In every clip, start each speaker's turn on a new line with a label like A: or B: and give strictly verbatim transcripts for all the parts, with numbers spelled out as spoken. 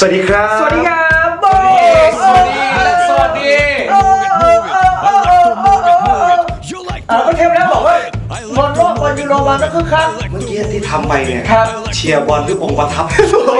A: วัสดีครับ
B: สวัสดีครับโบ
A: สวัสดีสวัสดี
B: เออเทปแล้วบอกว่าบอลโลกบอลยูโรมาก็คึกคัก
A: เมื่อกี้ที่ทำไปเนี่ย
B: ครับ
A: เชียร์บอลด้วยองค์ประทับ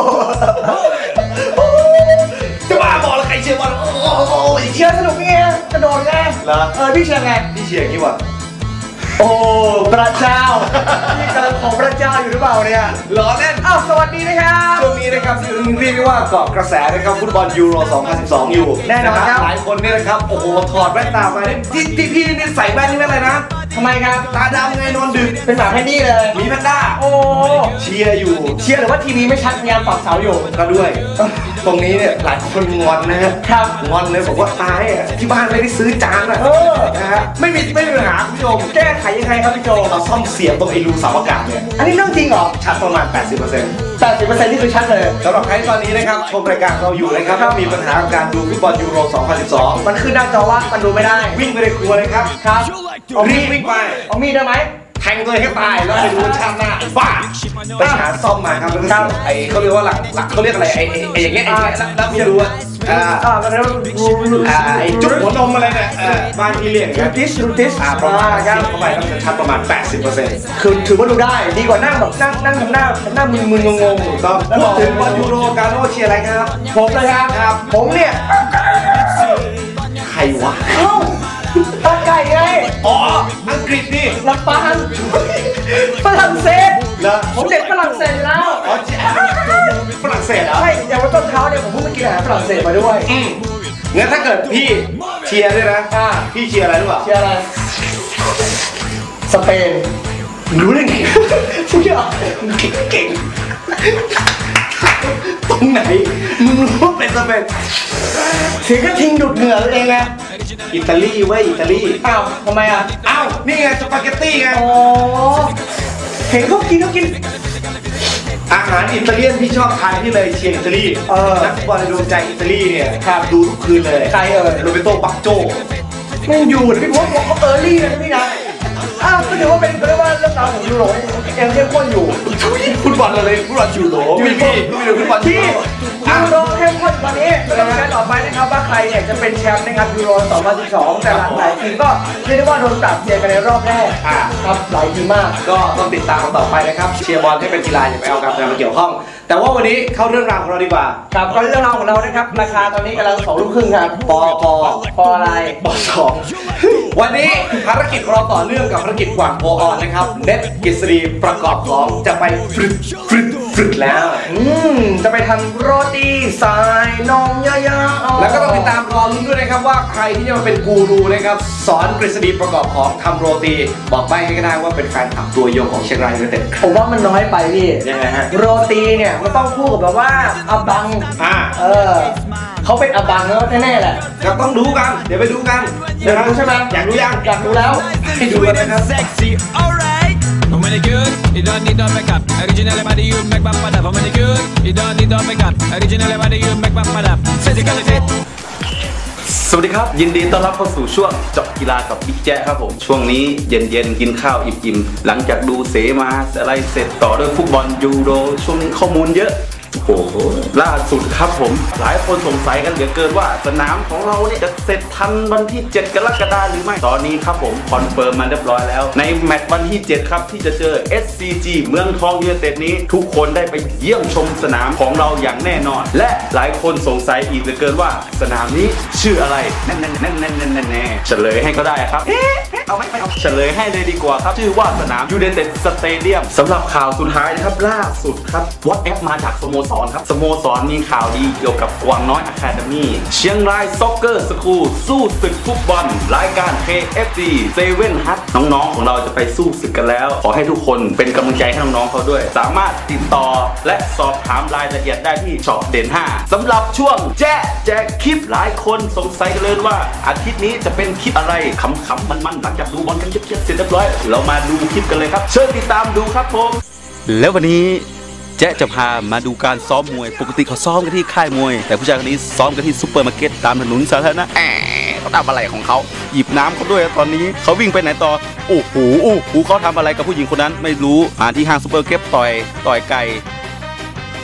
A: จะบ้าบอลแล้วใครเชียร์บอลโอ้โห
B: เชียร์สนุกไงกระโดดไง
A: เหรอ
B: เออพี่เชียร์ไง
A: พี่เชียร์อย่างนี้วะ
B: โอ้พระเจ้านี่กำลังของพระเจ้าอยู่หรือเปล่าเนี่ย
A: ล้อเล่น
B: อ้าวสวัสดีนะครับ
A: ช่วงนี้นะครับเรียกได้ว่าเกาะกระแสนะครับฟุตบอลยูโรสองพันสิบสองอยู่
B: แน่นอนครับ
A: หลายคนเนี่ยนะครับโอ้โหถอดแว่นตามาที่ที่พี่นี่ใส่แว่นนี่ไม่อะไรนะ
B: ทำไมครับ
A: ตาดำไงนอนดึก
B: เป็นหมาแพนดี้เลย
A: มีแพนด้า
B: โอ้
A: เชียร์อยู่
B: เชียร์หรือว่าทีวีไม่ชัดพยายามปรับเสาอยู่
A: ก็ด้วยตรงนี้เนี่ยหลายคนงอนนะฮะ
B: ครับ
A: งอนเลยบอกว่าตายอ่ะที่บ้านไม่ได้ซื้อจานอ่ะนะฮะไม่มีไม่มีปัญหาคุณผู้ชม
B: แก้ไขยังไงครับพี่โจ
A: เราซ่อมเสียบตรงไอ้รูเสาอากาศเนี่ย
B: อันนี้เรื่องจริงเหรอ
A: ชัดประมาณ แปดสิบเปอร์เซ็นต์
B: แปดสิบเปอร์เซ็นต์ นี่คือชัดเลย
A: สำหรับใครตอนนี้นะครับชมรายการเราอยู่นะครับถ้ามีปัญหาการดูฟุตบอลยูโรสองพันสิบสอง
B: มันขึ้นหน้าจอว่ามันดูไม่ได้
A: วิ่งไปในครัวเลยครับ
B: ครับ
A: รีบวิ่งไป
B: เอามีดได้ไหม
A: แทงตัวให้ตายแล้วไปดูชาติหน้าบ้าไปหาซ่อมมาครับแล้วก็ไอ้เขาเรียกว่าหลักหลักเขาเรียกอะไรไอ้ไอ้อย่างเงี้ยไอ้แล้วพี่จะรู้ว่าอ่า
B: อ่าแล้ว
A: อ่าไอ้จุดหัวนมอะไรเนี่ยบ้านที่เรียก
B: รูทิสรูทิส
A: อ่าประมาณครับเข้าไปต้องชัดประมาณ แปดสิบเปอร์เซ็นต์
B: คือถือว่าดูได้ดีกว่านั่งแบบนั่งนั่งทำหน้าหน้ามึนมึนงงง
A: ถูกต้องพูดถึงบอลยูโรกาโน่เชียร์อะไรครับ
B: ผมเลยครับ
A: ครับ
B: ผมเนี่ย
A: ใครวะ
B: เอ้าตาไก่ไง
A: อ๋ออังกฤษนี่
B: ลำปางฝรั่งเศส
A: เหรอ
B: ผมเด็กฝรั่งเศสแล้ว
A: อ๋อฝรั่งเศสเหรอ
B: ใช่อย่างวันต้นเท้าเนี่ยผมเพิ่งไปกินอาหารฝรั่งเศสมาด้วย
A: อืมงั้นถ้าเกิดพี่เชียร์ด้วยนะพี่เชียร์อะไรรู้ป่ะ
B: เชียร์อะไรสเปน
A: รู้ได้ไง
B: ทุกอย่าง
A: เก่งตรงไหนมึงรู้เป็นสเปน
B: ถึงก็ทิ้งดูดเหงื่อตัวเองไง
A: อิตาลีเว้ยอิตาลี
B: อ้าวทำไมอ่ะ
A: อ้าวนี่ไงสปาเกตตี้ไง
B: อ๋อเห็นเขากินเขากิน
A: อาหารอิตาเลียนที่ชอบทานที่เลยเชียร์อิตาลีนักฟุตบอลในดวงใจอิตาลีเนี่ยดูทุกคืนเลย
B: ใครเอ่ย
A: โรเบโตบักโจ
B: ไม่อยู่พี่พศบอกเขาเออร์ลี่นะพี่นะอ้าวก็ถือว่าเป็นเรียกว่าเรื่องราวของยูโรยังเข้มข้นอยู่
A: ฟุตบอลอะไรฟุตบอลยูโร
B: ยูโร
A: ฟุตบอล
B: ที่ยูโรเข้มข้นตอนนี้เราจะต่อไปนะครับว่าใครเนี่ยจะเป็นแชมป์นะครับยูโรสองพันสิบสองแต่หลายทีมก็เรียกได้ว่าโดนปรับเปลี่ยนกันในรอบแรกครับหลายทีมมาก
A: ก็ต้องติดตามกันต่อไปนะครับเชียร์บอลให้เป็นกีฬาอย่าไปเอาการเมืองมาเกี่ยวข้องแต่ว่าวันนี้เข้าเรื่องราวของเราดีกว่า
B: ครับก็เรื่องราวของเรานะครับราคาตอนนี้กำลังสองลูกครึ่งครับ
A: ปอปอ
B: ปออะไร
A: ปอสองวันนี้ภารกิจของเราต่อเนื่องกับภารกิจกว่างโพออนนะครับเน็ตกฤษฎีประกอบของจะไปฝึกฝึกฝึกแล้ว
B: อืมจะไปทำโรตีสายนมยาวๆ
A: แล้วก็ต้องติดตามรอลุ้นด้วยนะครับว่าใครที่จะมาเป็นกูรูนะครับสอนกฤษฎีประกอบของทำโรตีบอกไปให้ก็ได้ว่าเป็นแฟนคลับตัวยงของเชียงรายยูไนเต็ด
B: ผมว่ามันน้อยไปพี่
A: ยังไงฮะ
B: โรตีเนี่ยมันต้องคู่กับแบบว่าอับบัง
A: อ่า
B: เออเขาเป็นอับบังแล้วแน่ๆแหละ
A: เราต้องดูกันเดี๋ยวไปดูกัน
B: อยากดูใช่ไหม
A: อยากดูยัง
B: อยากดูแล้ว
A: ให้ดูกันนะครับ
C: I'm really good, you don't need no makeup. Originally body you make my mother. I'm really good, you don't need no makeup. Originally body you make my mother. Physically fit.
D: สวัสดีครับยินดีต้อนรับเข้าสู่ช่วงเจาะกีฬากับบิ๊กแจ๊ครับผมช่วงนี้เย็นๆกินข้าวอิ่มๆหลังจากดูเสมาอะไรเสร็จต่อด้วยฟุตบอลยูโรช่วงนี้ข้อมูลเยอะโอ้โหล่าสุดครับผมหลายคนสงสัยกันเหลือเกินว่าสนามของเราเนี่ยจะเสร็จทันวันที่เจ็ดกรกฎาคมหรือไม่ตอนนี้ครับผมคอนเฟิร์มมาเรียบร้อยแล้วในแมตช์วันที่เจ็ดครับที่จะเจอ เอส ซี จี เมืองทองยูไนเต็ดนี้ทุกคนได้ไปเยี่ยมชมสนามของเราอย่างแน่นอนและหลายคนสงสัยอีกเหลือเกินว่าสนามนี้ชื่ออะไรแน่ๆๆๆๆๆเฉลยให้ก็ได้ครับเอาไม่เอาเฉลยให้เลยดีกว่าครับชื่อว่าสนามยูไนเต็ดสเตเดียมสำหรับข่าวสุดท้ายนะครับล่าสุดครับวอทแอปมาจากสโมสรครับสโมสรมีข่าวดีเกี่ยวกับกวางน้อยอะคาเดมี่เชียงรายซ็อกเกอร์สคูลสู้ศึกฟุตบอลรายการ เค เอฟ ซี เซเว่น ฮัทน้องๆของเราจะไปสู้ศึกกันแล้วขอให้ทุกคนเป็นกำลังใจให้น้องๆเขาด้วยสามารถติดต่อและสอบถามรายละเอียดได้ที่ช็อปเด่นห้าสำหรับช่วงแจ๊แจกคลิปหลายคนสงสัยกันเลยว่าอาทิตย์นี้จะเป็นคลิปอะไรขำๆมันๆหลังจากดูบอลกันเยอะๆเสร็จเรียบร้อยเรามาดูคลิปกันเลยครับเชิญติดตามดูครับผมแล้ววันนี้แจ๊จะพามาดูการซ้อมมวยปกติเขาซ้อมกันที่ค่ายมวยแต่ผู้ชายคนนี้ซ้อมกันที่ซุปเปอร์มาร์เก็ตตามถนนสาธารณะแอบเขาทำอะไรของเขาหยิบน้ำเขาด้วยตอนนี้เขาวิ่งไปไหนต่อโอ้โหโอ้โหเขาทำอะไรกับผู้หญิงคนนั้นไม่รู้มาที่ห้างซุปเปอร์เก็ตต่อยต่อยไก่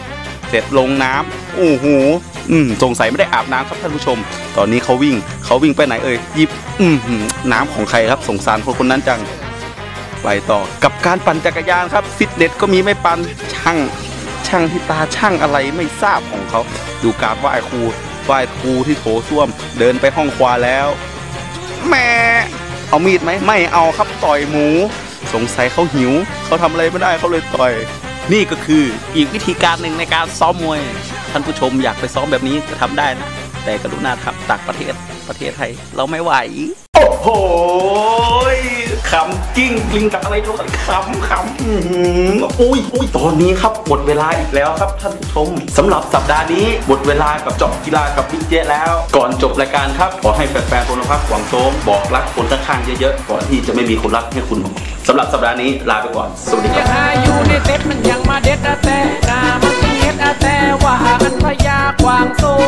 D: เสร็จลงน้ำโอ้โหอืมสงสัยไม่ได้อาบน้ำครับท่านผู้ชมตอนนี้เขาวิ่งเขาวิ่งไปไหนเอ่ยหยิบอืมน้ำของใครครับสงสารคนคนนั้นจังไปต่อกับการปั่นจักรยานครับฟิตเนสก็มีไม่ปั่นช่างช่างที่ตาช่างอะไรไม่ทราบของเขาดูการไหว้ครูไหว้ครูที่โถส้วมเดินไปห้องควาแล้วแม่เอามีดไหมไม่เอาครับต่อยหมูสงสัยเขาหิวเขาทำอะไรไม่ได้เขาเลยต่อยนี่ก็คืออีกวิธีการหนึ่งในการซ้อมมวยท่านผู้ชมอยากไปซ้อมแบบนี้ก็ทำได้นะแต่กรุณาครับต่างประเทศประเทศไทยเราไม่ไหวโอ้โหขำกิ้งกลิ้งกับอะไรทุกคนขำขำอุ้ยอุ้ยตอนนี้ครับหมดเวลาอีกแล้วครับท่านผู้ชมสำหรับสัปดาห์นี้หมดเวลากับเจาะกีฬากับบิ๊กเจ๊แล้วก่อนจบรายการครับขอให้แฟนๆพลพักหวังโต้บอกรักคนข้างๆเยอะๆก่อนที่จะไม่มีคนรักให้คุณสำหรับสัปดาห์นี้ลาไปก่อนสวัสดีครับ
C: อยู่ในเซ็ตมันยังมาเด็ดแต่หน้ามันเฮ็ดแต่ว่ามันพยากวางโซ่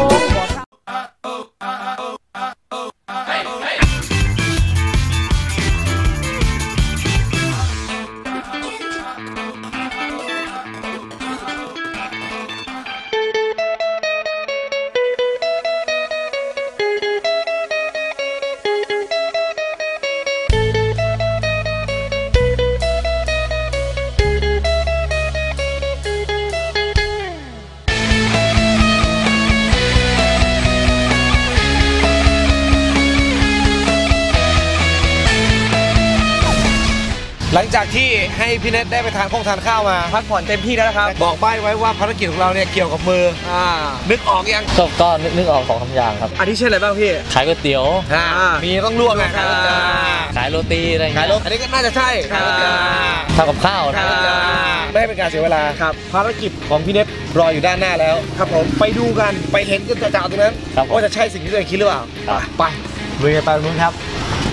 A: หลังจากที่ให้พี่เน็ตได้ไปทานข้องทานข้าวมา
B: พักผ่อนเต็มที่แล้วนะครับ
A: บอกใบ้ไว้ว่าภารกิจของเราเนี่ยเกี่ยวกับมืออ่านึกออกยัง
E: ก็ก็นึกนึกออกสองคำอย่างครับ
B: อันนี้เช่นอะไรบ้างพี่
E: ขายก๋วยเตี๋ยว
A: อ่ามีต้องลวกไง
E: ขายโรตีอะไรอย่างเงี้ย
A: อันนี้ก็น่าจะใช่
E: ทำกับข้าว
A: ไม่ให้เป็นการเสียเวลาครับภารกิจของพี่เน็ตรออยู่ด้านหน้าแล้วครับผมไปดูกันไปเห็นกันจ่าๆตรงนั้นว่าจะใช่สิ่งที่ตัวเองคิดหรือเปล่าไปลุยกันไปตรงนู้นครับ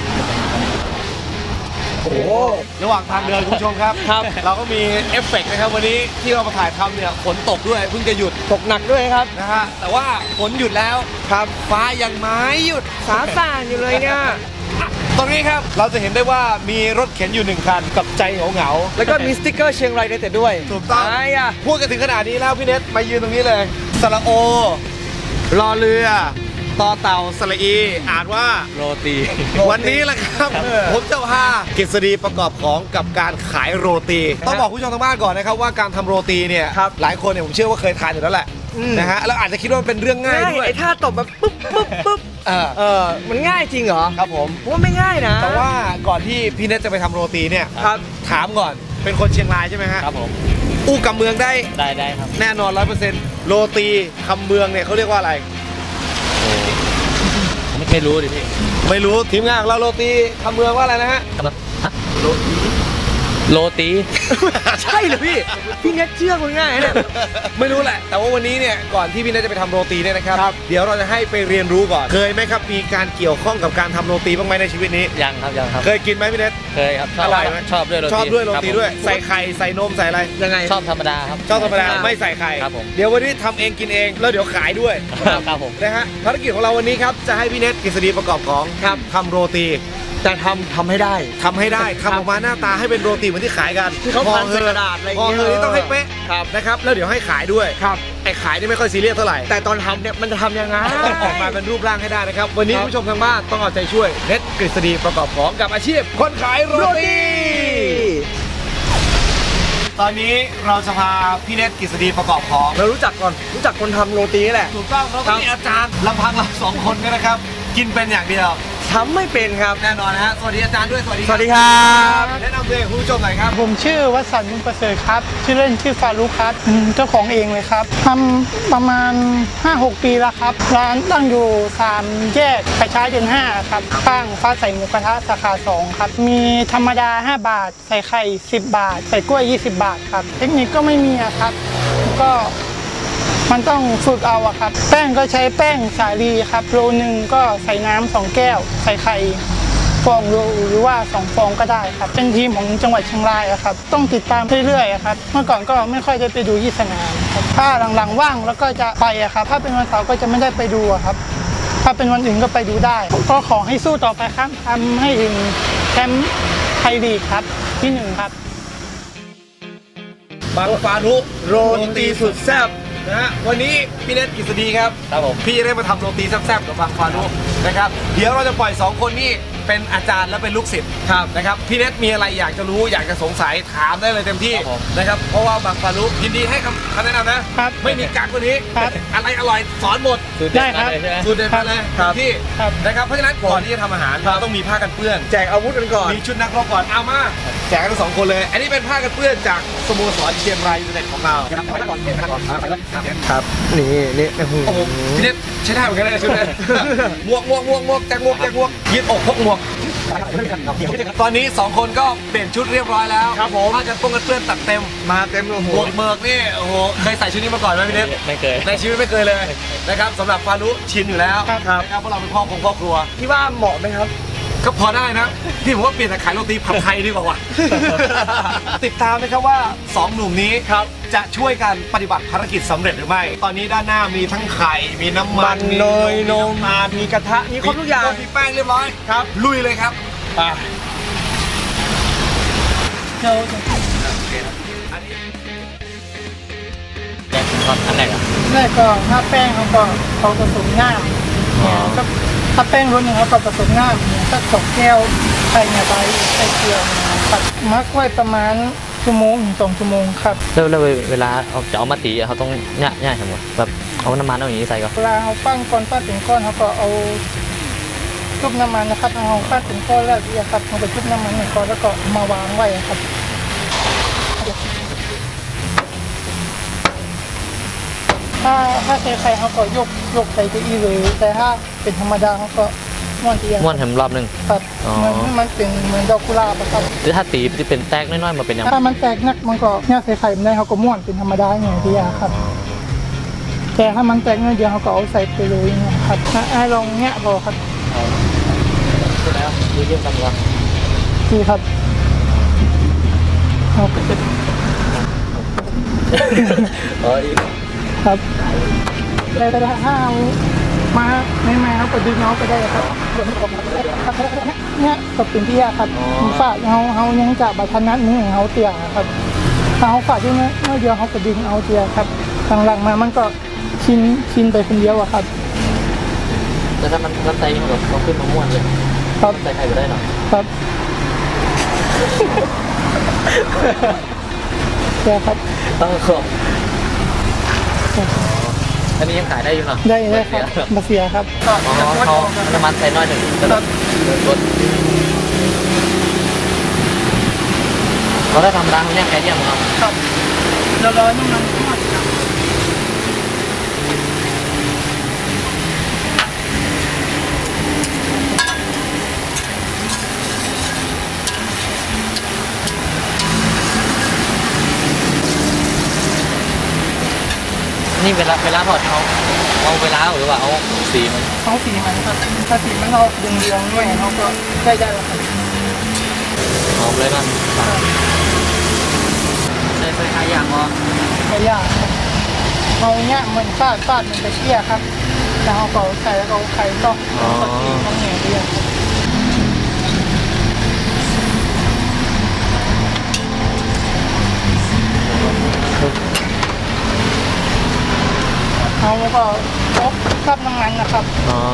A: โอ้ระหว่างทางเดินคุณผู้ชมครับครับเราก็มีเอฟเฟกต์นะครับวันนี้ที่เรามาถ่ายทำเนี่ยฝนตกด้วยเพิ่งจะหยุด
B: ตกหนักด้วยครับ
A: นะฮะแต่ว่าฝนหยุดแล้วครับฟ้ายังไม่หยุด
B: สาสางอยู่เลยเนี่ย
A: ตรงนี้ครับเราจะเห็นได้ว่ามีรถเข็นอยู่หนึ่งคันกับใจเหงาๆ
B: แล้วก็มีสติ๊กเกอร์เชียงรายในแต่ด้วย
A: ถูกต้องพูดกันถึงขนาดนี้แล้วพี่เน็ตมายืนตรงนี้เลยสระโอรอเรือต่อเต่าสระอีอ่านว่า
E: โรตี
A: วันนี้แหละครับผมจะพากฤษฎีประกอบของกับการขายโรตีต้องบอกผู้ชมทางบ้านก่อนนะครับว่าการทำโรตีเนี่ยหลายคนเนี่ยผมเชื่อว่าเคยทานอยู่แล้วแหละนะฮะแล้วอาจจะคิดว่าเป็นเรื่องง่ายด้วย
B: ไอ้ท่าตบแบบปุ๊บปุ๊บปุ๊บเออเออมันง่ายจริงเหรอ
A: ครับผม
B: ว่าไม่ง่ายนะ
A: แต่ว่าก่อนที่พี่เน็ตจะไปทำโรตีเนี่ยถามก่อนเป็นคนเชียงรายใช่ไหมฮะ
E: ครับผม
A: อู้คำเมืองได้
E: ได้ได้ครับ
A: แน่นอนร้อยเปอร์เซ็นต์โรตีคำเมืองเนี่ยเขาเรียกว่าอะไร
E: ไม่รู้ดิพี่
A: ไม่รู้ทีมงานเราโรตีคำเมืองว่าอะไรนะฮะโรตี
E: โรตี
B: ใช่เหรอพี่พี่เน็ตเชื่อคนง่ายเนี่ย
A: ไม่รู้แหละแต่ว่าวันนี้เนี่ยก่อนที่พี่เน็ตจะไปทำโรตีเนี่ยนะครับเดี๋ยวเราจะให้ไปเรียนรู้ก่อนเคยไหมครับมีการเกี่ยวข้องกับการทำโรตีบ้างไหมในชีวิตนี้
E: ยังครับยังครับ
A: เคยกินไหมพี่เน็ต
E: เคยครับ
A: อร่อยไหม
E: ชอบด้วยโรตี
A: ชอบด้วยโรตีด้วยใส่ไข่ใส่นมใส่อะไร
B: ยังไง
E: ชอบธรรมดาครับ
A: ชอบธรรมดาไม่ใส่ไข่
E: ครับผม
A: เดี๋ยววันนี้ทำเองกินเองแล้วเดี๋ยวขายด้วย
E: ครับผม
A: นะฮะภารกิจของเราวันนี้ครับจะให้พี่เน็ตกฤษฎีประกอบของทำโรตี
B: แต่ทำทำให้ได้
A: ทำให้ได้ทำออกมาหน้าตาให้เป็นโรตีเหมือนที่ขายกัน
B: ที่เขาพันใส่กระดาษอะไรอย่างเงี้ย
A: พอเธอต้องให้เป๊ะนะครับแล้วเดี๋ยวให้ขายด้วย
B: ครับ
A: ไอ้ขายนี่ไม่ค่อยซีเรียสเท่าไหร่
B: แต่ตอนทำเนี่ยมันจะทำยังไง
A: ต้องออกมาเป็นรูปร่างให้ได้นะครับวันนี้ผู้ชมทางบ้านต้องเอาใจช่วยเน็ตกฤษฎีประกอบของกับอาชีพคนขายโรตีตอนนี้เราจะพาพี่เน็ตกฤษฎีประกอบของ
B: เรารู้จักก่อนรู้จักคนทำโรตีนี่แหละ
A: ถูกต้องเราต้องมีอาจารย์ลำพังเราสองคนกันนะครับกินเป็นอย่างเดียว
B: ทำไม่เป็นครับ
A: แน่นอนนะฮะสวัสดีอาจารย์ด้วยสวัสดี
B: สวัสดีครับ
A: แนะนำตัวเองคุณผู้ชมหน่อยครับ
F: ผมชื่อวสันต์ มุญประเสริฐครับชื่อเล่นชื่อฟารุครับเจ้าของเองเลยครับทำประมาณ ห้าหก ปีแล้วครับร้านตั้งอยู่สามแยกประชาชื่นห้าครับข้างฟ้าใสหมูกระทะสาขาสองครับมีธรรมดาห้าบาทใส่ไข่สิบบาทใส่กล้วยยี่สิบบาทครับเทคนิคก็ไม่มีครับก็มันต้องฝึกเอาอะครับแป้งก็ใช้แป้งสาลีครับโลนึงก็ใส่น้ำสองแก้วใส่ไข่ฟองหรือว่าสองฟองก็ได้ครับเป็นทีมของจังหวัดเชียงรายอะครับต้องติดตามเรื่อยๆครับเมื่อก่อนก็ไม่ค่อยได้ไปดูที่สนามครับถ้าหลังๆว่างแล้วก็จะไปอะครับถ้าเป็นวันเสาร์ก็จะไม่ได้ไปดูอะครับถ้าเป็นวันอื่นก็ไปดูได้ก็ขอให้สู้ต่อไปครับทำให้ถึงแชมป์ไทยลีกครับที่หนึ่งครับ
A: บังฟารุโรตีสุดแซ่บนะฮะวันนี้พี่เนทกฤษฎีครับ
E: ครับผม
A: พี่จะได้มาทำโรตีแซ่บๆกับบางฟารุนะครับเดี๋ยวเราจะปล่อยสองคนนี้เป็นอาจารย์และเป็นลูกศิษย์นะครับพี่เนทมีอะไรอยากจะรู้อยากจะสงสัยถามได้เลยเต็มที่นะครับเพราะว่าบางฟารุยินดีให้คำคำแนะนำนะครับ ไม่มีกักกว่านี้
F: ครับ
A: อะไรอร่อยสอนหมด
F: ได้ครับ
E: ใช่ไหม
A: สูตรเด็ดมาเลย
B: ครับ
A: ที่
F: ครับ
A: นะครับเพราะฉะนั้นก่อนที่จะทำอาหารเราต้องมีผ้ากันเปื้อน
B: แจกอาวุธกันก่อน
A: มีชุดนักรบก่อนเอามาแจกกันทั้งสองคนเลย อันนี้เป็นผ้ากันเปื้อนจากสโมสรเชียงรายยูไนเต็ดของเราครับ
B: นี่นี่โอ้โห
A: โอ้โหพี่เน็ตใช้ได้เหมือนกันเลยชุดนี้หมวกหมวกหมวกหมวกแจ็คหมวกแจ็คหมวกยืดอกพกหมวกตอนนี้สองคนก็เปลี่ยนชุดเรียบร้อยแล้ว
B: ครับผม
A: ผ้ากันเปื้อนกันเปื้อนตัดเต็ม
B: มาเต็มโอ้โห
A: หมวกเบิกนี่โอ้โหเคยใส่ชุดนี้มาก่อนไหมพี่เน็ต
E: ไม่เคย
A: ในชีวิตไม่เคยเลยนะครับสำหรับฟารุชินอยู่แล้ว
B: ครับ
A: นะครับเพราะเราเป็นพ่อคงพ่อครัว
B: ที่ว่าเหมาะไหมครับ
A: ก็พอได้นะพี่ผมว่าเปลี่ยนจากขายโรตีผัดไทยดีกว่าว่ะ ติดตามนะครับว่าสองหนุ่มนี้ครับจะช่วยกันปฏิบัติภารกิจสำเร็จหรือไม่ ตอนนี้ด้านหน้ามีทั้งไข่มีน้ำมั
B: มัน นเนยนม
A: ตาล
B: มีกระทะมีครบทุกอย่าง
A: มีแป้งเรียบร้อยครับ ลุยเลยครับ
F: เดี๋ยว
E: แจ็คตอนอันแรกอ่ะ
F: แรกก็ถ้าแป้งเขาก็เขาผสมง่ามเนี่ยก็ถ้าแป้งรุ่นหนึงเขาก็ผสมง่ามเนี่ยสักสองแก้วไข่เนี่ยใบไข่เกลือเนี่ยครับมักไว้ประมาณชั่วโมงถึงสองชั่วโมงครับ
E: แล้วแล้วเวลาเอาจะเอามาตีอะเขาต้องย่าย่าทำไงแบบเอาน้ำมันเอาอย่างนี้ใส่ก่อน
F: เวลาเขาปั้นก้อนปั้นเป็นก้อนเขาก็เอาชุบน้ำมันนะครับเอาปั้นเป็นก้อนแล้วเนี่ยครับเอาไปชุบน้ำมันในก้อนแล้วก็มาวางไว้ครับ ถ้าถ้าใช้ไข่เขาก็ยกยกใส่ไปอีเลย แต่ถ้าเป็นธรรมดาเขาก็ม้วนเตียง
E: ม้วนแถมรอบหนึง
F: ครับ
E: อ๋อ
F: มันให้มันเป็นเหมือนดอกกุหลาบอะครับ
E: หรือถ้าตีที่เป็นแตกน้อยๆมาเป็นยังไง
F: ถ้ามันแตกนักมันก็เนี่ยใส่ไข่ไม่ได้เขาก็ม้วนเป็นธรรมดาอย่างเดียวครับ แต่ถ้ามันแตกน้อยเดียวเขาก็เอาใส่ไปเลยนะครับถ้าไอ้ลองเนี้ยพอครับ
E: คือแล้วดูเยี่ยมกันก่อน
F: ดีครับเอาไปเป็น
E: เอออีก
F: ครับได้แต่ถ้าเอามาไม่มาเขาก็ดึงเอาไปได้ครับเนี่ยก็เป็นที่ยากครับฝากเขาเขายังจะบัตรนัดมือเขาเตียครับถ้าเขาฝากที่นี่เมื่อเดียวเขาก็ดึงเอาเตียครับหลังๆมามันก็ชินชินไปคนเดียวอะครับ
E: แต่ถ้ามันมันใส่มันแบบต้องขึ้นมาม้วนเลย
F: ครับ
E: ใส่ไข่ไปได้หน่อย
F: ครับเตียครับ
E: ต้องขอบอันนี้ยังขายได้อยู่เหรอ
F: ได้ได้ครับมาเสียครับ
E: อ๋อเขาน้ำมันใส่น้อยหนึ่งแล้วก็ลดเขาได้ทำร้านเนี่ยแค่เดียวครับ
F: ครับเราร้อนน้ำมันทอดครับ
E: นี่เวลาเวลาทอดเขาเอาเวลาหรือว่าเอาสีมัน
F: เขาสีมันครับถ้าสีมันเราเรืองๆด้วยเขาก็ได้ได้แล้วครับ
E: หอมเลยมันใส่ใส่ขายอย่างวะ
F: ไม่ยากครับเขาเนี้ยมันฟาดฟาดมันจะเชี่ยครับแล้วเขาก็ใส่แล้วเอาไข่ก็ก็ตีเขาเหนียวเดียวครับเขาก็ครบคราบน้ำมันนะครับ
E: อ๋อ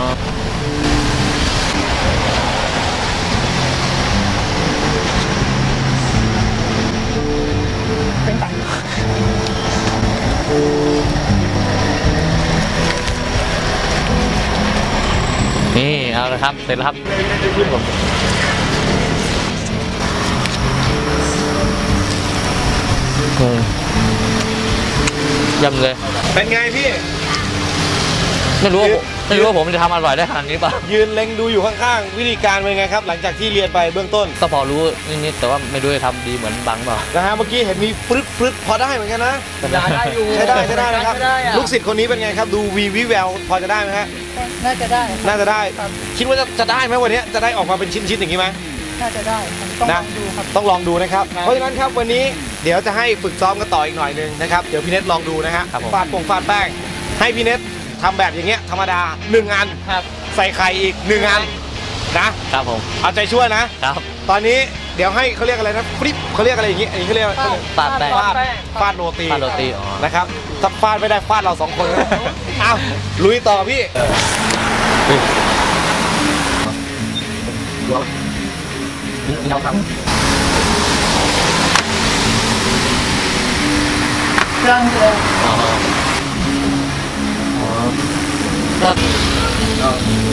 F: เป็นตัง
E: นี่เอาเลยครับเสร็จแล้วครับอืมยำเลย
A: เป็นไงพี่
E: ไม่รู้ว่าผมไม่รู้ว่าผมจะทำอร่อยได้ขนาดนี้ป่ะ
A: ยืนเล็งดูอยู่ข้างๆ วิธีการเป็นไงครับ หลังจากที่เรียนไปเบื้องต้น
E: ก็พอรู้นิดๆแต่ว่าไม่รู้จะทำดีเหมือนบังเปล่า
A: นะฮะเมื่อกี้เห็นมีฟรึดฟรึดพอได้เหมือนกันนะ
B: ได้อยู่
A: ใช้ได้ใช้ได้นะครับ
B: ใช้ได้อะ
A: ลูกศิษย์คนนี้เป็นไงครับ ดูวีวิแววพอจะได้ไหมฮะ
F: น่าจะได้ครับ
A: น่าจะได้
F: ครับ
A: คิดว่าจะจะได้ไหมวันนี้จะได้ออกมาเป็นชิ้นๆอย่างนี้ไหม
F: น่าจะได้ครับต้องล
A: นะ
F: องดูครับ
A: ต้องลองดูนะครับ เพราะฉะนั้นครับวันนี้เดี๋ยวจะให้ฝึกซ้อมกันต่ออีกหน่อยหนึงนะครับ เดี๋ยวพี่เน็ตลองดูนะฮะ
E: ครับผม
A: ฟาดปงฟาดแป้ง ให้พี่เน็ตทำแบบอย่างเงี้ยธรรมดาหนึ่งอัน
E: ครับ
A: ใส่ไข่อีกหนึ่งอันนะ
E: ครับผม
A: เอาใจช่วยนะ
E: ครับ
A: ตอนนี้เดี๋ยวให้เขาเรียกอะไรนะฟลิปเขาเรียกอะไรอย่างงี้อันนี้เขาเรียก
E: ปาดแป้ง
A: ฟาดฟาดโรตี
E: ฟาดโรตีอ๋อ
A: นะครับถ้าฟาดไม่ได้ฟาดเราสองคนนะอ้าวลุยต่อพี่เราทำ
F: เครื่องเลย
E: อ๋ออ๋อ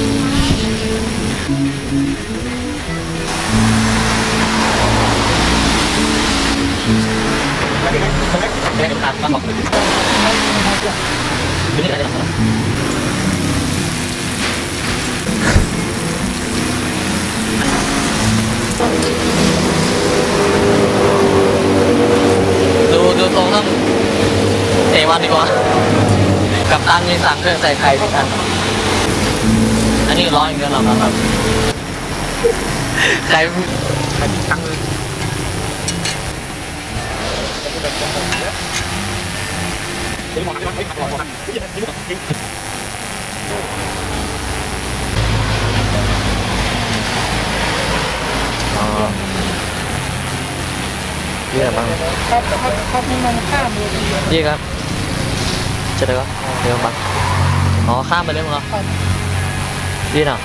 E: ไม่ได้ตัดมาบอกไม่ได้อะไรดูดูตรงนั้นเอวันดีกว่ากับตันมีสั่งเครื่องใส่ไข่ทุกอันอันนี้ร้อยอย่างเดียวหรอครับใครใครตั้งเลยเยี่ยมบ้าง
F: ครับครับครับนี่มันข้ามเลย
E: เยี่ยครับจะได้ก็เดี๋ยวบ้างอ๋อข้ามไปเลยมั้งเหรอยี่น่ะ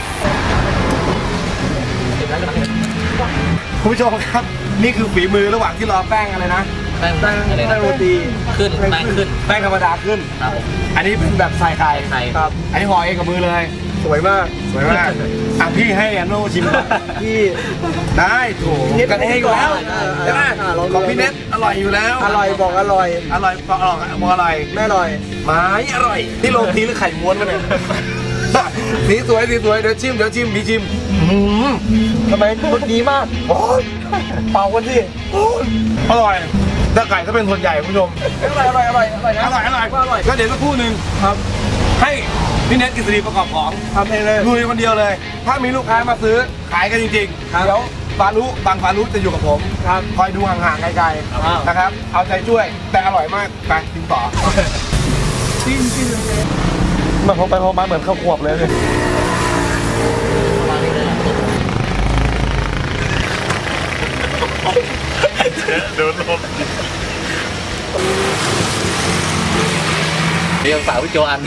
A: คุณผู้ชมครับนี่คือฝีมือระหว่างที่รอแป้งอะไรนะ
E: แป้ง
A: แป้ง
E: อะไร
A: แป้งโรตี
E: ขึ้นแป้งขึ้น
A: แป้งธรรมดาขึ้น
E: ครับผม
A: อันนี้เป็นแบบใส่ไข่
E: ไข่
A: ครับอันนี้ห่อเองกับมือเลย สวยมากสวยมากอ่ะพี่ให้อันโนชิมก่อนพี่ได้ถูกกันเองอยู่แล้วใช่ไหมของพี่เน็ตอร่อยอยู่แล้ว
B: อร่อยบอกอร่อย
A: อร่อยบอกอร่อยบอกอร่อย
B: ไม่อร่อย
A: ไม้อร่อยที่โรตีหรือไข่ม้วนมาเนี่ยสีสวยสีสวยเดี๋ยวชิมเดี๋ยวชิมพี่ชิมอื้อหือ
B: ทำไมมันดีมาก
A: โอ้ย
B: เป่ากันสิ
A: โอ้ยอร่อยแต่ไก่ถ้าเป็นส่วนใหญ่คุณผู้ชม
B: อร่อยอร่อยอร่อยอร่อยนะ
A: อร่อยอร่อย
B: ว่าอร่อย
A: ก็เดี๋ยวสักครู่หนึ่งครับ ให้พี่เน็ตกฤษฎีประกอบของ
B: ทำเองเลย
A: ลุยคนเดียวเลย ถ้ามีลูกค้ามาซื้อขายกันจริงๆ
B: ครับ
A: เดี๋ยวฟารุบางฟารุจะอยู่กับผม
B: ครับ
A: คอยดูห่างๆไกล
B: อ้าว
A: ๆนะครับ เอาใจช่วยแต่อร่อยมากไปกินต่อ
B: จริงจริงเลย
A: มันพอไปพอมาเหมือนข้าวขวบเลย
D: โดนลม
E: เดี๋ยวฝากพี่โจอัน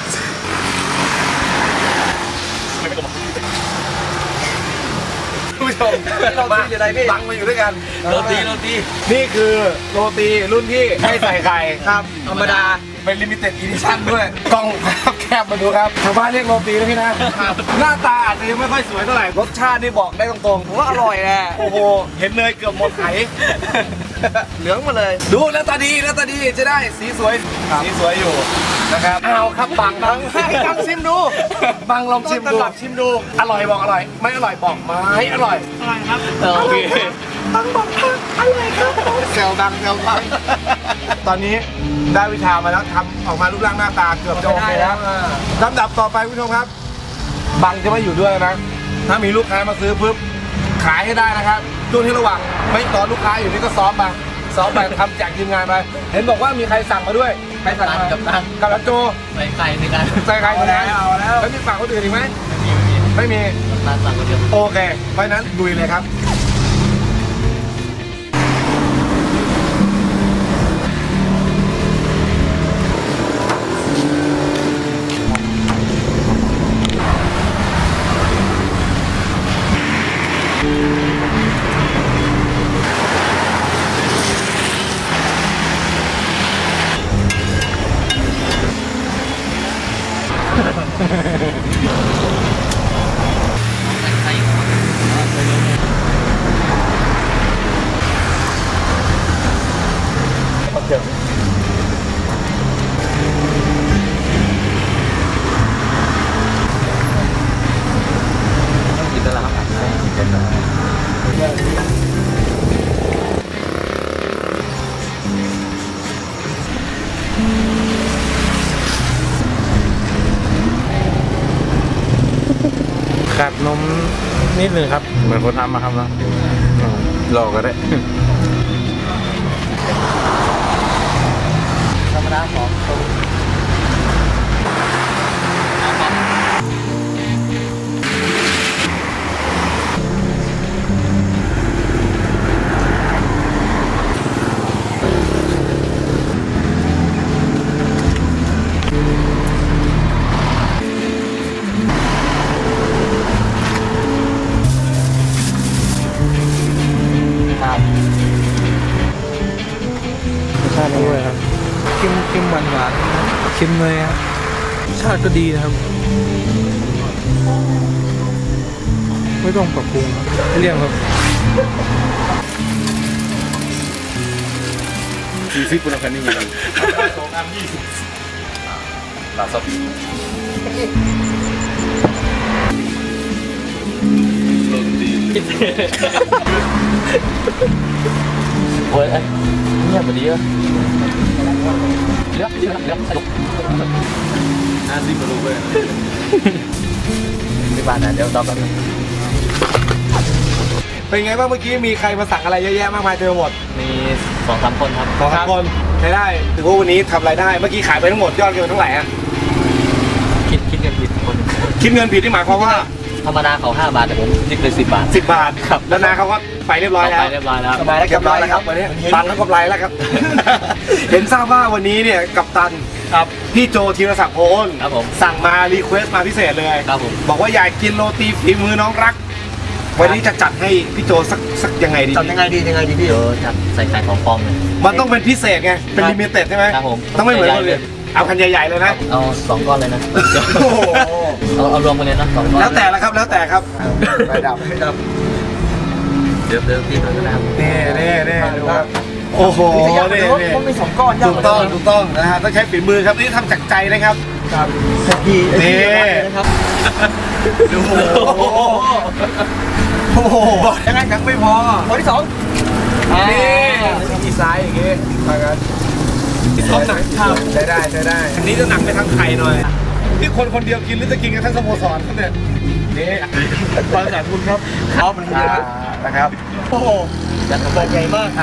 A: คุณผู้ชม
B: นี่เราตีอยู่ไหนพี่
A: บังมาอยู่ด้วยกัน
E: โรตีโรตี
A: นี่คือโรตีรุ่นที่ไม่ใส่ไข่
B: ครับธรรมดา
A: เป็นลิมิเต็ดอีดิชั่นด้วยกล้องภาพแคบมาดูครับชาวบ้านเรียกโรตีนะพี่นะ หน้าตาอาจจะยังไม่ค่อยสวยเท่าไหร่ รสชาตินี่บอกได้ตรงๆ
B: ผมว่าอร่อยแหละ
A: โอ้โห เห็นเนยเกือบหมดไข่
B: เหลืองมาเลย
A: ดูแล้วตาดีแล้วตาดีจะได้สีสวย สีสวยอยู่นะครับเอาครับบังบัง
B: ให้บังชิมดู
A: บังลองชิม
B: ต้น
A: ดู
B: ตำรับชิมดู
A: อร่อยบอกอร่อย ไม่อร่อยบอกไม่อร่อย
E: โอเค
B: บังบอกอร่อยครับ
A: แซวดังแซวบังตอนนี้ได้วิชามาแล้วทำออกมารูปร่างหน้าตาเกือบจะโอเคแล้วลำดับต่อไปคุณผู้ชมครับ บังจะไม่อยู่ด้วยนะ ถ้ามีลูกค้ามาซื้อปุ๊บขายให้ได้นะครับช่วงที่ระหว่างไม่ตอนลูกค้าอยู่นี่ก็ซ้อมไปซ้อมไปทำจากทีมงานไป เห็นบอกว่ามีใครสั่งมาด้วย ใครสั่งมา
E: กับตัน
A: กับรัตโจ
E: ใส่ไข่ในการ
A: ใส่ใครคนนั้น
B: เอาแล้ว
A: แล้วมีฝากคนอื่นอีกไหมไม่มี
E: ร้านสั่งคนเดียว
A: โอเค เพราะฉะนั้นลุยเลยครับ
E: กินได้แล้วครับ
G: กัดนมนิดนึงครับ เหมือนคนทำมาครับเนาะหลอกก็ได้
E: ธรรมดาของตรง
G: ร่อยครับเค็มเค็มหวานหวานเค็มเลยครับชาติก็ดีนะครับไม่ต้องปรับปรุงเรียงครับสี่สิบปุ่นคันนี้ยังสองอันยี่สิบลาซอส
E: โอ้ยเงียบไปดีอ่ะเลือกเลือกเลือกสนุกน่าซิบมาลูกเลยที่บ้านนะเดี๋ยวตอบกัน
A: เป็นไงบ้างเมื่อกี้มีใครมาสั่งอะไรเยอะแยะมากมายเต็มไปหมด
E: มีสองสามคนครับ
A: สองสามคนใช้ได้ถือว่าวันนี้ทำรายได้เมื่อกี้ขายไปทั้งหมดยอดเงินเท่าไหร่ฮะ
E: คิดคิดเงินผิดคน
A: คิดเงินผิดที่หมายความว่า
E: ธรรมดาเขาห้าบาทแต่ผมคิดเลยสิบบาท
A: สิบบาทครับแล้วนาเขาก็ไปเรียบร้อยแล้ว
E: ไปเรียบร้อยแล้ว
A: สบายแล้วเรียบร้อยแล้วครับวันนี้ตังค์ก็กำไรแล้วครับเห็นทราบว่าวันนี้เนี่ยกัปตัน
E: ครับ
A: พี่โจธีรศักดิ์โพน
E: ครับผม
A: สั่งมารีเควสมาพิเศษเลย
E: ครับผม
A: บอกว่าอยากกินโรตีฝีมือน้องรักวันนี้จะจัดให้พี่โจสักสักยังไงดี
B: จัดยังไงดียังไงดีพี่
E: โจจัดใส่ไข่ของปลอมเลย
A: มันต้องเป็นพิเศษไงเป็นลิมิเต็ดใช่ไหม
E: ครับผม
A: ต้องไม่เหมือนคนอื่นเอาคันใหญ่ๆเลยนะ
E: เอาสองก้อนเลยนะเอาเอารวมกันเลยนะสองก้อน
A: แล้วแต่ละครับแล้วแต่ครับไปดับให้ดับ
E: เดี๋ยวเดี๋ยวตีเลยนะครับ
A: เน่เน่เน่ดูครับโอ้โห
B: เน่เน่มันมีสองก้อน
A: ถูกต้องถูกต้องนะฮะต้องใช้ฝีมือครับนี่ทำจากใจนะครับ
B: ครับดี
A: นี่
B: นะครับ
A: ดูโอ้โหบอกยังไงยังไม่พอ
B: คนที่สอง
A: นี่มีซ้ายอย่างงี้มากันต้องหนักใช้ได้ใช้ได้อันนี้จะหนักไปทางไข่หน่อยที่คนคนเดียวกินหรือจะกินกันทั้งสโมสรครับเนี่ยนี่บริษัทคุณครับ
B: เขามันเยอะ
A: นะครับ
B: โอ้โหจัดกระบอกใหญ่มาก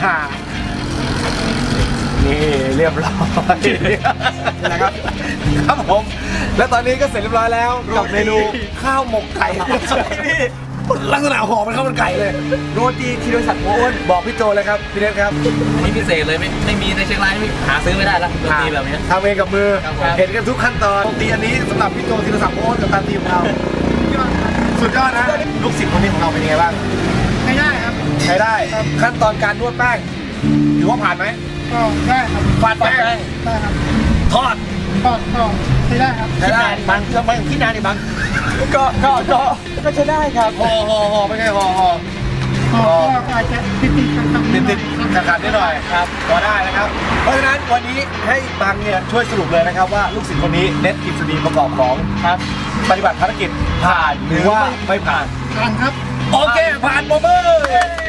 A: นี่เรียบร้อยนะครับครับผมและตอนนี้ก็เสร็จเรียบร้อยแล้วกับเมนูข้าวหมกไก่นี่ลักษณะห่อมันข้าวมันไก่เลย
B: โรตีธีรศักดิ์โพน
A: บอกพี่โจเลยครับพี่เล็กครับ
E: นี่พิเศษเลยไม่ไม่มีในเชียงรายหาซื้อไม่ได้แล้วโรตีแบบนี้
A: ทำเองกับมือเห็นกันทุกขั้นตอนโรตีอันนี้สำหรับพี่โจธีรศักดิ์โพนกับทางทีมเราสุดยอดนะลูกศิษย์คนนี้ของเราเป็นยังไงบ้าง
F: ใช้ได้ครับ
A: ใช้ได้ขั้นตอนการนวดแป้งถือว่าผ่านไหม
F: ก็ได้ครับ
A: ฝาดแป้ง
F: ได้ครับ
A: ทอด
F: ทอดทอดใช้ได้ครับ
A: ใช้ได้บางจะไม่ที่นานนี่บาง
B: ก็ก็ก็ก็ใช้ได้ครับ
A: ห่อห่อห่อไม่ใช่ห่อห่อ
F: ห่อก็อาจจะติดติดขัดขัด
A: ติดติดขัดขัดนิดหน่อยครับก็ได้นะครับเพราะฉะนั้นวันนี้ให้บางเนี่ยช่วยสรุปเลยนะครับว่าลูกศิษย์คนนี้เน็ตกิจดีประกอบของครับปฏิบัติภารกิจผ่านหรือว่าไม่ผ่าน
F: ผ่านครับ
A: โอเคผ่านโมเบอร์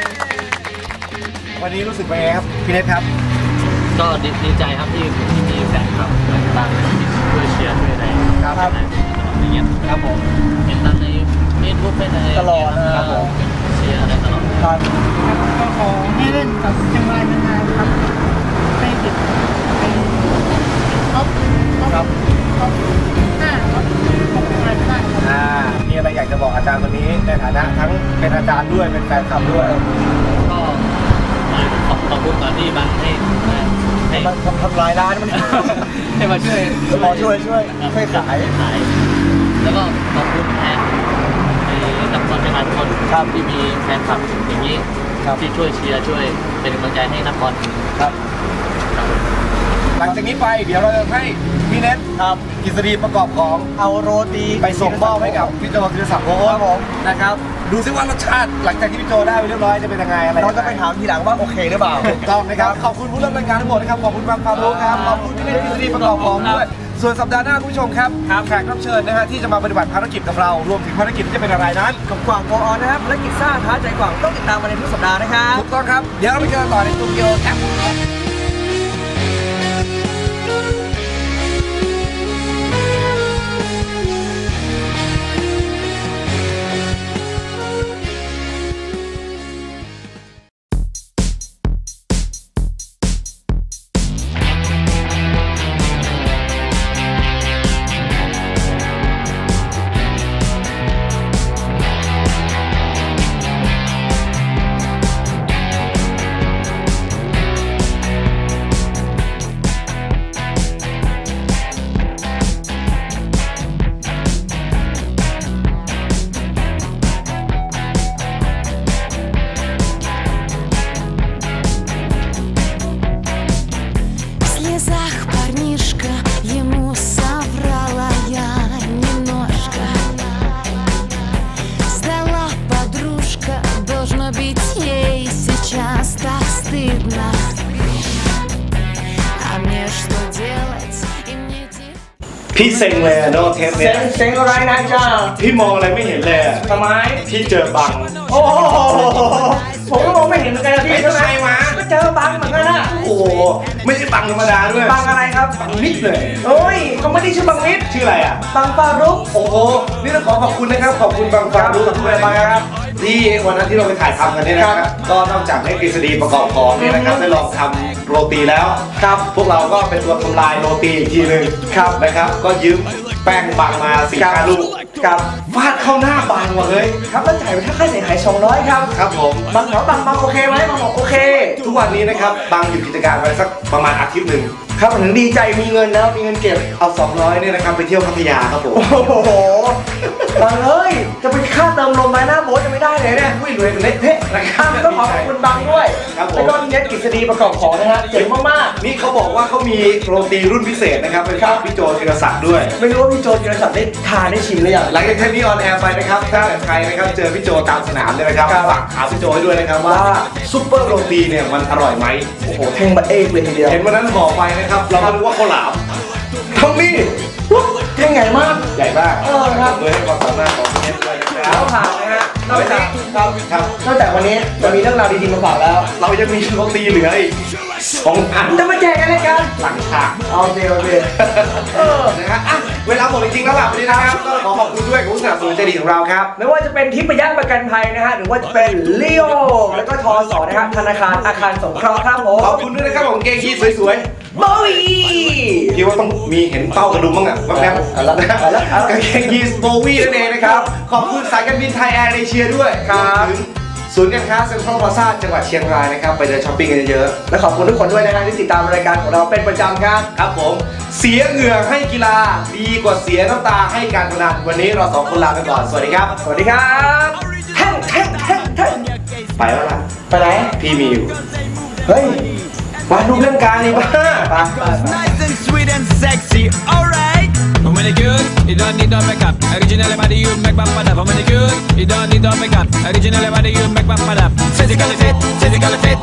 A: วันนี้รู้สึกเป็นไงครับพี่เน็ตครับ
E: ก็ดีใจครับที่ที่มีแฟนคลับต่างๆช่วยเชียร์ช่วยอะไร
A: ครับ
E: อย่างเงี้ย
A: ครับผม
E: เห็นตามในเฟซบุ๊กใน
B: ตลอดนะครับผม
E: เชียร์อะไรตลอด
F: ครับก็ขอให้เล่นกับเชียงรายนานๆครับให้ติดไปท็อปท็อปท็อปห้าท็อปของเชียงรายได้ครับ
A: อ่ามีอะไรอยากจะบอกอาจารย์วันนี้ในฐานะทั้งเป็นอาจารย์ด้วยเป็นแฟนคลับด้วย
E: ก็ขอบคุณตอนที่บางให้
B: ให้มาทำลายร้านมัน
E: ให้มาช่วย
B: ขอช่วยช่วยช่วยขาย
E: ขายแล้วก็ขอบคุณแทนนักบอลในงานทุกคนครับที่มีแฟนคลับอย่างนี้ที่ช่วยเชียร์ช่วยเป็นกำลังใจให้นักบอล
A: ครับหลังจากนี้ไปเดี๋ยวเราจะให้พี่เน็ตครับกิษฎีประกอบของ
B: เอาโรตี
A: ไปส่งมอบให้กับพี่โจธีรศักดิ์โพนนะครับดูซิว่ารสชาติหลังจากที่พี่โจได้ไปเรียบร้อยจะเป็นยังไงอะไร
B: เราจะไปถามทีหลังว่าโอเคหรือเปล่า
A: ถูกต้องนะครับขอบคุณผู้ร่วมรายการทั้งหมดนะครับขอบคุณบางฟารุครับขอบคุณพี่เน็ตกิษฎีประกอบของด้วยส่วนสัปดาห์หน้าคุณผู้ชมครับแขกรับเชิญนะฮะที่จะมาปฏิบัติภารกิจกับเรารวมถึงภารกิจที่จะเป็นอะไรนั้น
B: กับกวางโกออนนะครับภารกิจซ่าท้าใจกวางต้องติดตามมาในทุกสัปดาห์นะครับ
A: ถูกต้องครับเดี๋ยวเราไปเจอต่อในตูดิโอครับพี่เซ็งเลยโนเทป
B: เซ็
A: เนี่ย
B: งเซ็งอะไรนะจ้า
A: พี่มองอะไรไม่เห็นเลย
B: ทำไม
A: พี่เจอบัง
B: โอ้โหผมก็มองไม่เห็นเหมือนกันนะพี่ใช่ไหมก็เจอบังเหมือนกันนะ
A: โอ้โหไม่ใช่บังธรรมดาด้วย
B: บังอะไรครับ
A: บังมิดเลย
B: โอ้ยเขาไม่ได้ชื่อบังนิด
A: ชื่ออะไรอ่ะ
B: บังฟารุก
A: โอ้โหนี่ต้องขอขอบคุณนะครับขอบคุณบังฟารู้กับทุกท่านนะครับที่วันนั้นที่เราไปถ่ายทำกันเนี่ยนะครับก็นอกจากให้กฤษฎีประกอบของเนี่ยนะครับได้ลองทำโรตีแล้วครับพวกเราก็เป็นตัวทำลายโรตีอีกทีหนึ่งครับนะครับก็ยืมแป้งบังมาสี่ห้าลูกครับฟาดเข้าหน้าบังว่ะเฮ้ย
B: ครับแล้วจ่ายไปค่าเสียหายสองร้อยครับ
A: ครับผม
B: บังเหรอบังบังโอเคไหมบังบอกโอเค
A: ทุกวันนี้นะครับบังหยุดกิจการไปสักประมาณอาทิตย์หนึ่ง
B: ครับถึงดีใจมีเงินแล้วมีเงินเก็บ
A: เอาสองร้อยเนี่ยนะครับไปเที่ยวพัทยาครับผม
B: โอ้โหบังเอ้ยจะไปค่าเติมลมไม้หน้าโบ๊ทจะไม่ได้เลยเนี่ย
A: อุ้ยรวยเป็นเละเทะนะครับ
B: ต้องขอขอบคุณบังด้วย
A: ครับผม
B: แล้วก็เน็ตกฤษฎีประกอบของนะฮะเจ๋งมาก
A: นี่เขาบอกว่าเขามีโรตีรุ่นพิเศษนะครับเป็นของพี่โจธีรศักดิ์ด้วย
B: ๆไม่รู้ว่าพี่โจธีรศักดิ์ได้ทานได้ชิมหรือยัง
A: หลังจากเทปนี้ออนแอร์ไปนะครับถ้าใครนะครับเจอพี่โจตามสนามเนี่ยนะครับฝากถามพี่โจให้ด้วยนะครับว่าซุปเปอร์โรตีเนี่ยมันอร่อยไหม
B: โอ้โหแท่งบัตเอกเลยทีเดียว
A: เห็นวันนั้นห่อไปนะครับเราก็นึกว่าข้าวหลามเท่านี้
B: แท่งใหญ่มาก
A: ใหญ่มาก
B: เออครับ
A: เลยให้ความสามารถของเชฟด้วยนะค
B: แล้
A: รับ
B: วผ่านนะฮะนอกจากครับ
A: ครับ
B: นอกจากวันนี้จะมีเรื่องราวดีๆมาฝากแล้ว
A: เรายังมีโรตีเหลืออีกสองอัน
B: จะมาแจกอะไรกัน
A: หลังฉาก
B: เอาเดียวเดียวเออ
A: นะฮะอ่ะเวลาหมดจริงๆแล้วล่ะวันนี้นะครับก็ขอขอบคุณด้วยกับผู้สนับสนุนใจดีของเราครับ
B: ไม่ว่าจะเป็นทิพยประกันภัยนะฮะหรือว่าจะเป็นลีโอแล้วก็ทอสอนะฮะธนาคารอาคารสงเคราะห์ครับผม
A: ขอบคุณด้วยนะครับของเกงยีนสวย
B: โอ้ย
A: ๆคิดว่าต้องมีเห็นเป้ากระดุมบ้างอ่ะแป๊บๆ
B: เอาละเอาละเอาละ
A: กางเกงยีนโบวี่นั่นเองนะครับ ขอบคุณสายการบินไทยแอร์เอเชียด้วย
B: ครับ
A: วมถึงศูนย์การค้าเซ็นทรัลพลาซ่าจังหวัดเชียงรายนะครับไปเดินช้อปปิ้งกันเยอะ
B: และขอบคุณทุกคนด้วยนะฮะที่ติดตามรายการของเราเป็นประจำครับ
A: ๆครับผมเสียเหงื่อให้กีฬาดีกว่าเสียน้ำตาให้การพนันวันนี้เราสองคนลาไปก่อนสวัสดีครับ
B: สวัสดีครับแท่งแท่งแท่งแท่ง
A: ไปแล้วล่ะ
B: ไปไหน
A: พี่มีอยู่
B: เฮ้ย
A: มาดูเรื่องการนี่บ้า
B: ไปไป
C: Nice and sweet and sexy, alright. I'm really good, you don't need no makeup. Original body, you make my pad up. I'm really good, you don't need no makeup. Original body, you make my pad up. Physically fit, physically fit.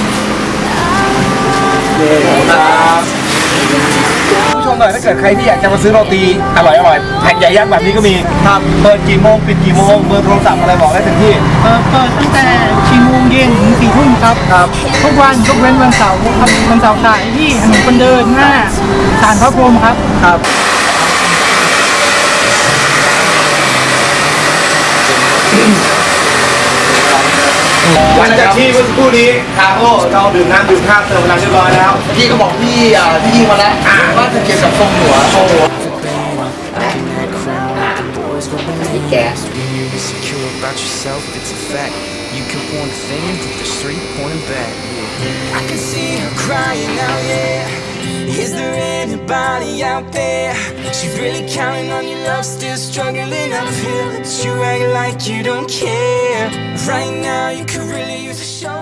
A: ผู้ชมหน่อยถ้าเกิดใครที่อยากจะมาซื้อโรตีอร่อยอร่อยแผ่นใหญ่ยักษ์แบบนี้ก็มีครับเปิดกี่โมงปิดกี่โมงเบอร์โทรศัพท์อะไรบอกได้ถึงที่
F: เอ่อเปิดตั้งแต่สี่โมงเย็นถึงสี่ทุ่มครับครับทุกวันยกเว้นวันเสาร์ครับวันเสาร์ขายที่ถนนคนเดินหน้าศาลพระพรหมครับครับ
A: หลังจากที่เมื่อสักครู่นี้ทางโอ้เราดื่มน้ำดื่มข้าวเติมพลังเรียบร้อยแล้ว
B: พี่ก็บอกพี่อ่าพี่ยิงมาแล้วว่าจะเกี่ยวกับทรงหัวทรงหัวแก
H: Insecure about yourself, it's a fact. You can point a finger, but there's three pointing back. Yeah. I can see her crying out, yeah. Is there anybody out there? She's really counting on your love, still struggling uphill. But you act like you don't care. Right now, you could really use a show.